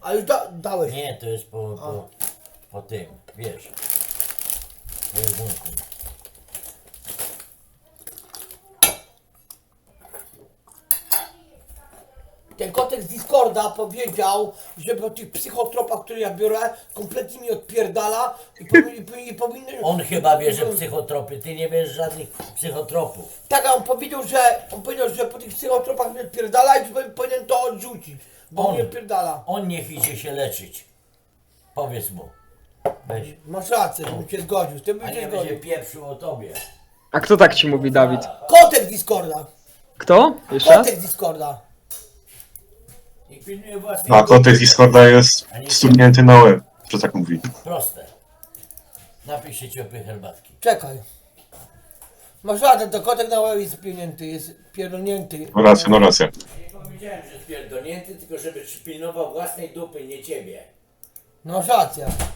A już dałeś. Nie, to jest po tym, wiesz. Po jedzonku. Ten kotek z Discorda powiedział, że po tych psychotropach, które ja biorę, kompletnie mi odpierdala i powinien... On chyba bierze psychotropy, ty nie bierzesz żadnych psychotropów. Tak, a on powiedział, że po tych psychotropach mi odpierdala i że powinien to odrzucić, bo On. mi odpierdala. On niech idzie się leczyć. Powiedz mu. Weź. Masz rację, bym się zgodził, z tym A bym się nie będzie zgodził. pieprzył o tobie. A kto tak ci mówi, Dawid? Kotek z Discorda! Kto? Jeszcze? Kotek z Discorda! I pilnuje własnej A kotek z Discorda jest stuknięty na łeb, że tak mówi. Proste. Napij się ciepłej herbatki. Czekaj. Masz rację, to kotek na łeb jest pierdolnięty, jest pierdolnięty. No racja, no racja. Nie powiedziałem, że spierdolnięty, tylko żeby pilnował własnej dupy, nie ciebie. No masz rację.